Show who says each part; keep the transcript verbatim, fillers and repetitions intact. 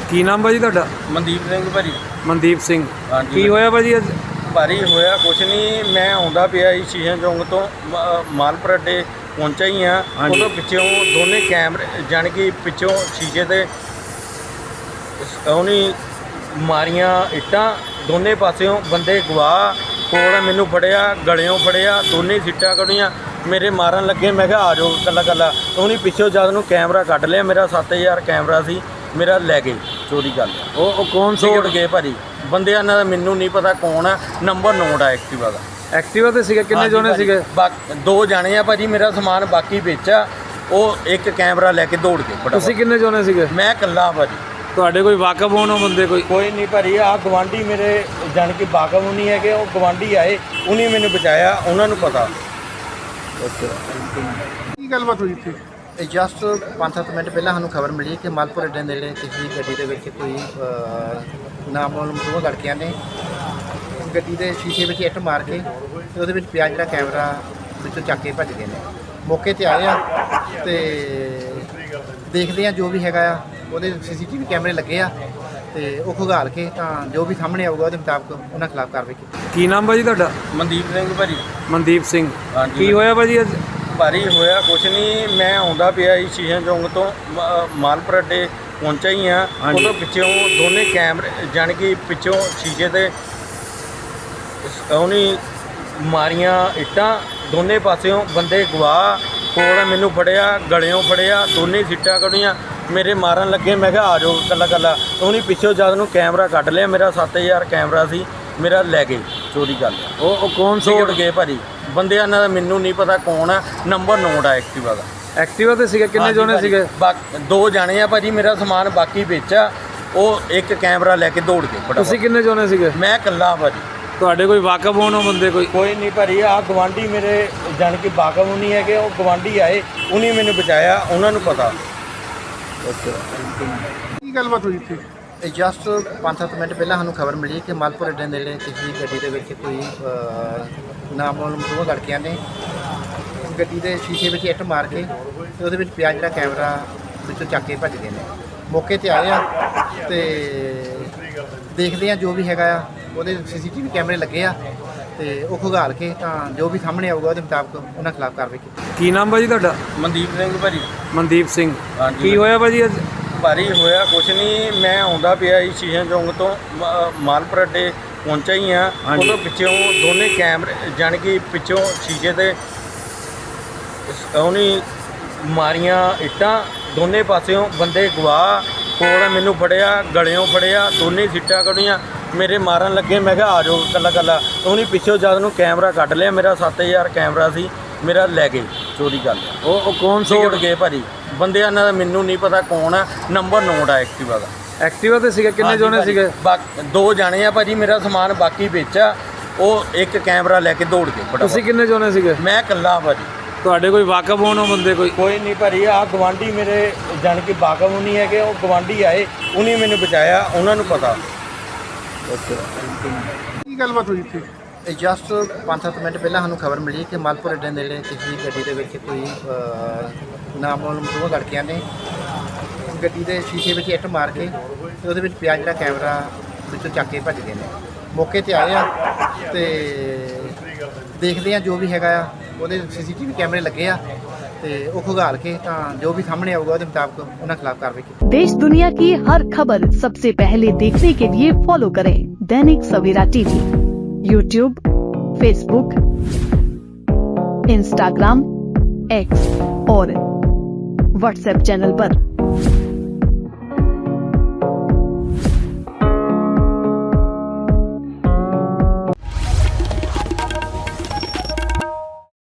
Speaker 1: ਕੀ ਨਾਮ ਭਾਜੀ ਤੁਹਾਡਾ?
Speaker 2: ਮਨਦੀਪ ਸਿੰਘ ਭਾਜੀ।
Speaker 1: ਮਨਦੀਪ ਸਿੰਘ।
Speaker 2: ਹਾਂਜੀ
Speaker 1: ਕੀ ਹੋਇਆ ਭਾਜੀ ਅੱਜ?
Speaker 2: ਭਾਰੀ ਹੋਇਆ ਕੁਛ ਨਹੀਂ, ਮੈਂ ਆਉਂਦਾ ਪਿਆ ਸੀ ਸ਼ੀਸ਼ੇ ਚੌਂਕ ਤੋਂ ਮ- ਮਾਲਪੁਰ ਅੱਡੇ ਪਹੁੰਚਿਆ ਹੀ ਆ।
Speaker 1: ਹਾਂਜੀ।
Speaker 2: ਉਦੋਂ ਪਿੱਛੋਂ ਦੋਨੇ ਕੈਮਰੇ ਜਾਣੀ ਕਿ ਪਿੱਛੋਂ ਸ਼ੀਸ਼ੇ ਤੇ ਉਹਨੇ ਮਾਰੀਆਂ ਇੱਟਾਂ, ਦੋਨੇ ਪਾਸਿਓਂ ਬੰਦੇ ਗਵਾ ਕੋਲ ਮੈਨੂੰ ਫੜਿਆ, ਗਲਿਓਂ ਫੜਿਆ, ਦੋਨੇ ਸਿੱਟਾਂ ਕੱਢੀਆਂ, ਮੇਰੇ ਮਾਰਨ ਲੱਗੇ। ਮੈਂ ਕਿਹਾ ਆ ਜਾਓ ਕੱਲਾ ਕੱਲਾ। ਉਹਨੇ ਪਿੱਛੋਂ ਜਦ ਨੂੰ ਕੈਮਰਾ ਕੱਢ ਲਿਆ, ਮੇਰਾ ਸੱਤ ਹਜ਼ਾਰ ਕੈਮਰਾ ਸੀ, ਮੇਰਾ ਲੈ ਗਏ, ਚੋਰੀ ਕਰ ਲਿਆ।
Speaker 1: ਉਹ ਉਹ ਕੌਣ ਸੀ?
Speaker 2: ਤੋੜ ਗਏ ਭਾਜੀ ਬੰਦਿਆਂ ਦਾ, ਮੈਨੂੰ ਨਹੀਂ ਪਤਾ ਕੌਣ ਆ। ਨੰਬਰ ਨੋਟ ਆ ਐਕਟਿਵਾ ਦਾ।
Speaker 1: ਐਕਟਿਵਾ ਤੇ ਸੀਗੇ? ਕਿੰਨੇ
Speaker 2: ਹਾਂਜੀ
Speaker 1: ਜਣੇ
Speaker 2: ਭਾਜੀ,
Speaker 1: ਸੀਗੇ?
Speaker 2: ਬਾਕ- ਦੋ ਜਾਣੇ ਆ ਭਾਜੀ, ਮੇਰਾ ਸਮਾਨ ਬਾਕੀ ਵਿੱਚ ਆ। ਉਹ ਇੱਕ ਕੈਮਰਾ ਲੈ ਕੇ ਦੌੜ ਗਏ ਫਟਾਫਟ।
Speaker 1: ਤੁਸੀਂ ਕਿੰਨੇ ਜਣੇ ਸੀਗੇ?
Speaker 2: ਮੈਂ ਇਕੱਲਾ ਭਾਜੀ।
Speaker 1: ਤੁਹਾਡੇ ਕੋਈ ਵਾਕਫ ਹੋਣ ਉਹ ਬੰਦੇ ਕੋਈ?
Speaker 2: ਕੋਈ ਨਹੀਂ ਭਾਜੀ, ਆ ਗਵਾਂਢੀ ਮੇਰੇ ਜਾਣ ਕਿ ਬਾਗਮ ਨਹੀਂ ਹੈਗੇ, ਉਹ ਗਵਾਂਢੀ ਆਏ, ਉਹਨੇ ਮੈਨੂੰ ਬਚਾਇਆ, ਉਹਨਾਂ ਨੂੰ ਪਤਾ।
Speaker 3: ਕੀ ਗੱਲਬਾਤ ਹੋਈ ਇੱਥੇ?
Speaker 4: ਇਹ ਜਸਟ ਪੰਜ ਸੱਤ ਮਿੰਟ ਪਹਿਲਾਂ ਸਾਨੂੰ ਖਬਰ ਮਿਲੀ ਕਿ ਮਾਲਪੁਰ ਅੱਡੇ ਨੇੜੇ ਕਿਸੇ ਗੱਡੀ ਦੇ ਵਿੱਚ ਕੋਈ ਅਹ, ਨਾਮਾਲੂਮ ਦੋ ਲੜਕਿਆਂ ਨੇ ਗੱਡੀ ਦੇ ਸ਼ੀਸ਼ੇ ਵਿੱਚ ਇੱਟ ਮਾਰ ਕੇ ਤੇ ਉਹਦੇ ਵਿੱਚ ਪਿਆ ਜਿਹੜਾ ਕੈਮਰਾ ਵਿੱਚੋਂ ਚੱਕ ਕੇ ਭੱਜ ਗਏ ਨੇ। ਮੌਕੇ ਤੇ ਆਏ ਆ ਤੇ ਦੇਖਦੇ ਆ ਜੋ ਵੀ ਹੈਗਾ ਆ, ਉਹਦੇ ਸੀਸੀਟੀਵੀ ਕੈਮਰੇ ਲੱਗੇ ਆ ਤੇ ਉਹ ਖੁਗਾਲ ਕੇ ਤਾਂ ਜੋ ਵੀ ਸਾਹਮਣੇ ਆਊਗਾ ਉਹਦੇ ਮੁਤਾਬਕ ਉਹਨਾਂ ਖਿਲਾਫ ਕਾਰਵਾਈ ਕੀਤੀ।
Speaker 1: ਕੀ ਨਾਮ ਭਾਜੀ ਤੁਹਾਡਾ?
Speaker 2: ਮਨਦੀਪ ਸਿੰਘ ਭਾਜੀ।
Speaker 1: ਮਨਦੀਪ ਸਿੰਘ।
Speaker 2: ਹਾਂਜੀ
Speaker 1: ਕੀ ਹੋਇਆ ਭਾਜੀ ਅੱਜ?
Speaker 2: ਭਾਰੀ ਹੋਇਆ ਕੁਛ ਨਹੀਂ, ਮੈਂ ਆਉਂਦਾ ਪਿਆ ਸੀ ਸ਼ੀਸ਼ੇ ਚੌਂਕ ਤੋਂ ਮ- ਮਾਲਪੁਰ ਅੱਡੇ ਪਹੁੰਚਿਆ ਹੀ ਆ।
Speaker 1: ਹਾਂਜੀ।
Speaker 2: ਉਦੋਂ ਪਿੱਛੋਂ ਦੋਨੇ ਕੈਮਰੇ ਜਾਣੀ ਕਿ ਪਿੱਛੋਂ ਸ਼ੀਸ਼ੇ ਤੇ ਉਹਨੇ ਮਾਰੀਆਂ ਇੱਟਾਂ, ਦੋਨੇ ਪਾਸਿਓਂ ਬੰਦੇ ਗਵਾ ਕੋਲ ਮੈਨੂੰ ਫੜਿਆ, ਗਲਿਓਂ ਫੜਿਆ, ਦੋਨੇ ਸਿੱਟਾਂ ਕੱਢੀਆਂ, ਮੇਰੇ ਮਾਰਨ ਲੱਗੇ। ਮੈਂ ਕਿਹਾ ਆ ਜਾਓ ਕੱਲਾ ਕੱਲਾ। ਉਹਨੇ ਪਿੱਛੋਂ ਜਦ ਨੂੰ ਕੈਮਰਾ ਕੱਢ ਲਿਆ, ਮੇਰਾ ਸੱਤ ਹਜ਼ਾਰ ਕੈਮਰਾ ਸੀ, ਮੇਰਾ ਲੈ ਗਏ, ਚੋਰੀ ਕਰ ਲਿਆ।
Speaker 1: ਉਹ ਉਹ ਕੌਣ ਸੀ?
Speaker 2: ਤੋੜ ਗਏ ਭਾਜੀ ਬੰਦਿਆਂ ਦਾ, ਮੈਨੂੰ ਨਹੀਂ ਪਤਾ ਕੌਣ ਆ। ਨੰਬਰ ਨੋਟ ਆ ਐਕਟਿਵਾ ਦਾ।
Speaker 1: ਐਕਟਿਵਾ ਤੇ ਸੀਗੇ? ਕਿੰਨੇ
Speaker 2: ਹਾਂਜੀ
Speaker 1: ਜਣੇ
Speaker 2: ਭਾਜੀ,
Speaker 1: ਸੀਗੇ?
Speaker 2: ਬਾਕ- ਦੋ ਜਾਣੇ ਆ ਭਾਜੀ, ਮੇਰਾ ਸਮਾਨ ਬਾਕੀ ਵਿੱਚ ਆ। ਉਹ ਇੱਕ ਕੈਮਰਾ ਲੈ ਕੇ ਦੌੜ ਗਏ ਫਟਾਫਟ।
Speaker 1: ਤੁਸੀਂ ਕਿੰਨੇ ਜਣੇ ਸੀਗੇ?
Speaker 2: ਮੈਂ ਇਕੱਲਾ ਭਾਜੀ।
Speaker 1: ਤੁਹਾਡੇ ਕੋਈ ਵਾਕਫ ਹੋਣ ਉਹ ਬੰਦੇ ਕੋਈ?
Speaker 2: ਕੋਈ ਨਹੀਂ ਭਾਜੀ, ਆ ਗਵਾਂਢੀ ਮੇਰੇ ਜਾਣ ਕਿ ਬਾਗਮ ਨਹੀਂ ਹੈਗੇ, ਉਹ ਗਵਾਂਢੀ ਆਏ, ਉਹਨੇ ਮੈਨੂੰ ਬਚਾਇਆ, ਉਹਨਾਂ ਨੂੰ ਪਤਾ।
Speaker 3: ਕੀ ਗੱਲਬਾਤ ਹੋਈ ਇੱਥੇ?
Speaker 4: ਇਹ ਜਸਟ ਪੰਜ ਸੱਤ ਮਿੰਟ ਪਹਿਲਾਂ ਸਾਨੂੰ ਖਬਰ ਮਿਲੀ ਕਿ ਮਾਲਪੁਰ ਅੱਡੇ ਨੇੜੇ ਕਿਸੇ ਗੱਡੀ ਦੇ ਵਿੱਚ ਕੋਈ ਅਹ, ਨਾਮਾਲੂਮ ਦੋ ਲੜਕਿਆਂ ਨੇ ਗੱਡੀ ਦੇ ਸ਼ੀਸ਼ੇ ਵਿੱਚ ਇੱਟ ਮਾਰ ਕੇ ਤੇ ਉਹਦੇ ਵਿੱਚ ਪਿਆ ਜਿਹੜਾ ਕੈਮਰਾ ਵਿੱਚੋਂ ਚੱਕ ਕੇ ਭੱਜ ਗਏ ਨੇ। ਮੌਕੇ ਤੇ ਆਏ ਆ ਤੇ ਦੇਖਦੇ ਆ ਜੋ ਵੀ ਹੈਗਾ ਆ, ਉਹਦੇ ਸੀਸੀਟੀਵੀ ਕੈਮਰੇ ਲੱਗੇ ਆ ਤੇ ਉਹ ਖੁਗਾਲ ਕੇ ਤਾਂ ਜੋ ਵੀ ਸਾਹਮਣੇ ਆਊਗਾ ਉਹਦੇ ਮੁਤਾਬਕ ਉਹਨਾਂ ਖਿਲਾਫ ਕਾਰਵਾਈ ਕੀਤੀ।
Speaker 1: ਕੀ ਨਾਮ ਭਾਜੀ ਤੁਹਾਡਾ?
Speaker 2: ਮਨਦੀਪ ਸਿੰਘ ਭਾਜੀ।
Speaker 1: ਮਨਦੀਪ ਸਿੰਘ।
Speaker 2: ਹਾਂਜੀ
Speaker 1: ਕੀ ਹੋਇਆ ਭਾਜੀ ਅੱਜ?
Speaker 2: ਭਾਰੀ ਹੋਇਆ ਕੁਛ ਨਹੀਂ, ਮੈਂ ਆਉਂਦਾ ਪਿਆ ਸੀ ਸ਼ੀਸ਼ੇ ਚੌਂਕ ਤੋਂ ਮ- ਮਾਲਪੁਰ ਅੱਡੇ ਪਹੁੰਚਿਆ ਹੀ ਆ।
Speaker 1: ਹਾਂਜੀ।
Speaker 2: ਉਦੋਂ ਪਿੱਛੋਂ ਦੋਨੇ ਕੈਮਰੇ ਜਾਣੀ ਕਿ ਪਿੱਛੋਂ ਸ਼ੀਸ਼ੇ ਤੇ ਉਹਨੇ ਮਾਰੀਆਂ ਇੱਟਾਂ, ਦੋਨੇ ਪਾਸਿਓਂ ਬੰਦੇ ਗਵਾ ਕੋਲ ਮੈਨੂੰ ਫੜਿਆ, ਗਲਿਓਂ ਫੜਿਆ, ਦੋਨੇ ਸਿੱਟਾਂ ਕੱਢੀਆਂ, ਮੇਰੇ ਮਾਰਨ ਲੱਗੇ। ਮੈਂ ਕਿਹਾ ਆ ਜਾਓ ਕੱਲਾ ਕੱਲਾ। ਉਹਨੇ ਪਿੱਛੋਂ ਜਦ ਨੂੰ ਕੈਮਰਾ ਕੱਢ ਲਿਆ, ਮੇਰਾ ਸੱਤ ਹਜ਼ਾਰ ਕੈਮਰਾ ਸੀ, ਮੇਰਾ ਲੈ ਗਏ, ਚੋਰੀ ਕਰ ਲਿਆ।
Speaker 1: ਉਹ ਉਹ ਕੌਣ ਸੀ?
Speaker 2: ਤੋੜ ਗਏ ਭਾਜੀ ਬੰਦਿਆਂ ਦਾ, ਮੈਨੂੰ ਨਹੀਂ ਪਤਾ ਕੌਣ ਆ। ਨੰਬਰ ਨੋਟ ਆ ਐਕਟਿਵਾ ਦਾ।
Speaker 1: ਐਕਟਿਵਾ ਤੇ ਸੀਗੇ? ਕਿੰਨੇ
Speaker 2: ਹਾਂਜੀ
Speaker 1: ਜਣੇ
Speaker 2: ਭਾਜੀ,
Speaker 1: ਸੀਗੇ?
Speaker 2: ਬਾਕ- ਦੋ ਜਾਣੇ ਆ ਭਾਜੀ, ਮੇਰਾ ਸਮਾਨ ਬਾਕੀ ਵਿੱਚ ਆ। ਉਹ ਇੱਕ ਕੈਮਰਾ ਲੈ ਕੇ ਦੌੜ ਗਏ ਫਟਾਫਟ।
Speaker 1: ਤੁਸੀਂ ਕਿੰਨੇ ਜਣੇ ਸੀਗੇ?
Speaker 2: ਮੈਂ ਇਕੱਲਾ ਭਾਜੀ।
Speaker 1: ਤੁਹਾਡੇ ਕੋਈ ਵਾਕਫ ਹੋਣ ਉਹ ਬੰਦੇ ਕੋਈ?
Speaker 2: ਕੋਈ ਨਹੀਂ ਭਾਜੀ, ਆ ਗਵਾਂਢੀ ਮੇਰੇ ਜਾਣ ਕਿ ਬਾਗਮ ਨਹੀਂ ਹੈਗੇ, ਉਹ ਗਵਾਂਢੀ ਆਏ, ਉਹਨੇ ਮੈਨੂੰ ਬਚਾਇਆ, ਉਹਨਾਂ ਨੂੰ ਪਤਾ।
Speaker 3: ਕੀ ਗੱਲਬਾਤ ਹੋਈ ਇੱਥੇ?
Speaker 4: ਇਹ ਜਸਟ ਪੰਜ ਸੱਤ ਮਿੰਟ ਪਹਿਲਾਂ ਸਾਨੂੰ ਖਬਰ ਮਿਲੀ ਕਿ ਮਾਲਪੁਰ ਅੱਡੇ ਨੇੜੇ ਕਿਸੇ ਗੱਡੀ ਦੇ ਵਿੱਚ ਕੋਈ ਅਹ, ਨਾਮਾਲੂਮ ਦੋ ਲੜਕਿਆਂ ਨੇ ਗੱਡੀ ਦੇ ਸ਼ੀਸ਼ੇ ਵਿੱਚ ਇੱਟ ਮਾਰ ਕੇ ਤੇ ਉਹਦੇ ਵਿੱਚ ਪਿਆ ਜਿਹੜਾ ਕੈਮਰਾ ਵਿੱਚੋਂ ਚੱਕ ਕੇ ਭੱਜ ਗਏ ਨੇ। ਮੌਕੇ ਤੇ ਆਏ ਆ ਤੇ ਦੇਖਦੇ ਆ ਜੋ ਵੀ ਹੈਗਾ ਆ, ਉਹਦੇ ਸੀਸੀਟੀਵੀ ਕੈਮਰੇ ਲੱਗੇ ਆ ਤੇ ਉਹ ਖੁਗਾਲ ਕੇ ਤਾਂ ਜੋ ਵੀ ਸਾਹਮਣੇ ਆਊਗਾ ਉਹਦੇ ਮੁਤਾਬਕ ਉਹਨਾਂ ਖਿਲਾਫ ਕਾਰਵਾਈ ਕੀਤੀ।
Speaker 5: देश दुनिया की हर खबर सबसे पहले देखने के लिए फॉलो करें Dainik Savera TV, YouTube, Facebook, Instagram, X और व्हाट्सएप चैनल पर।